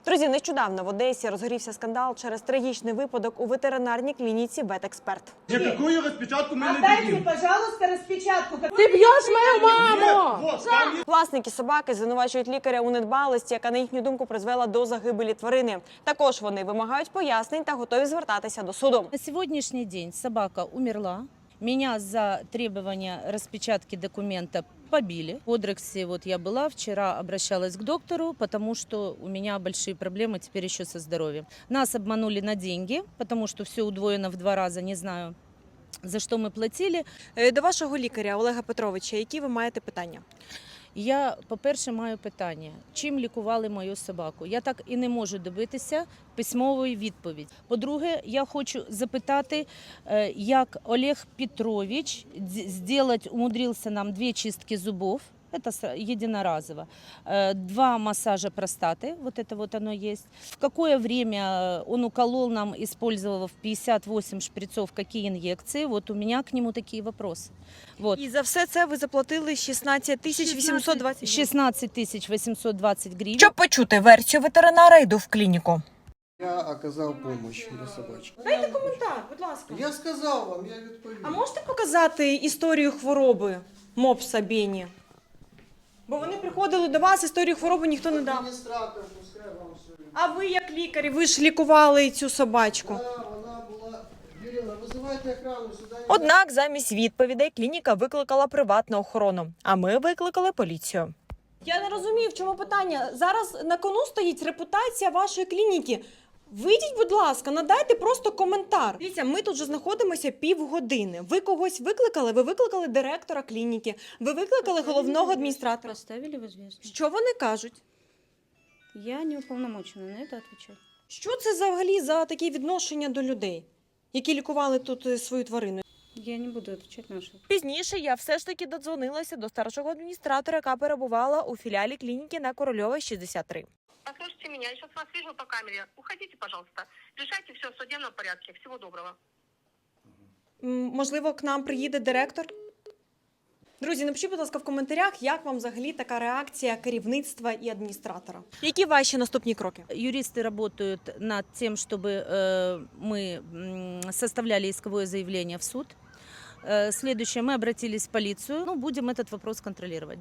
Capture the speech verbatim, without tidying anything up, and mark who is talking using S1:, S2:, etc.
S1: Друзі, нещодавно в Одесі розгорівся скандал через трагічний випадок у ветеринарній клініці «Ветексперт».
S2: Какую распечатку мы
S3: Отдайте,
S2: дадим?
S3: пожалуйста, распечатку.
S4: Ты бьешь мою маму!
S2: Вот, там есть.
S1: Власники собаки звинувачують лікаря у недбалості, яка, на їхню думку, призвела до загибелі тварини. Також вони вимагають пояснень та готові звертатися до суду.
S5: На сегодняшний день собака умерла. Меня за требование распечатки документа побили. В Одрексе вот я была, вчера обращалась к доктору, потому что у меня большие проблемы теперь еще со здоровьем. Нас обманули на деньги, потому что все удвоено в два раза, не знаю, за что мы платили.
S1: Е, До вашого лікаря Олега Петровича, які ви маєте питання?
S5: Я, по-перше, маю питання, чим лікували мою собаку. Я так і не можу добитися письмової відповіді. По-друге, я хочу запитати, е, як Олег Петрович зробити, умудрився нам дві чистки зубов, это с- единоразово, э, два массажа простаты, вот это вот оно есть. В какое время он уколол нам, использовав пятьдесят восемь шприцов, какие инъекции, вот у меня к нему такие вопросы. Вот.
S1: І за все це ви заплатили шістнадцять тисяч вісімсот двадцять гривень.
S5: шестнадцать тысяч восемьсот двадцать гривен.
S1: Щоб почути версію ветеринара, йду в клініку.
S6: Я оказав помощь для собачки.
S1: Дайте коментар, будь ласка.
S6: Я сказав вам, я відповів.
S1: А можете показати історію хвороби мопса Бені? Бо вони приходили до вас, історію хвороби ніхто не дав.
S6: Адміністратор, пускай вам все.
S1: А ви як лікар, ви ж лікували цю собачку.
S6: Да, вона була... Ірина, визивайте охрану, сюди не...
S1: Однак замість відповідей клініка викликала приватну охорону, а ми викликали поліцію. Я не розумію, в чому питання. Зараз на кону стоїть репутація вашої клініки. Вийдіть, будь ласка, надайте просто коментар. Дивіться, ми тут вже знаходимося півгодини. Ви когось викликали? Ви викликали директора клініки, ви викликали головного адміністратора.
S7: Поставили в известность.
S1: Що вони кажуть?
S7: Я не уполномочена на это отвечать.
S1: Що це взагалі за такі відношення до людей, які лікували тут е, свою тварину?
S7: Я не буду отвечать на ваши.
S1: Пізніше я все ж таки додзвонилася до старшого адміністратора, яка перебувала у філіалі клініки на Корольова, шістдесят три.
S8: Послушайте меня, я сейчас вас вижу по камере. Уходите, пожалуйста. Решайте все в судебном порядке. Всего доброго.
S1: М, Можливо, к нам приїде директор? Друзі, напишіть, будь ласка, в коментарях, як вам взагалі така реакція керівництва і адміністратора. Які ваші наступні кроки?
S5: Юристы работают над тем, чтобы э, мы м, составляли исковое заявление в суд. Э, Следующее, мы обратились в полицию. Ну, будем этот вопрос контролировать.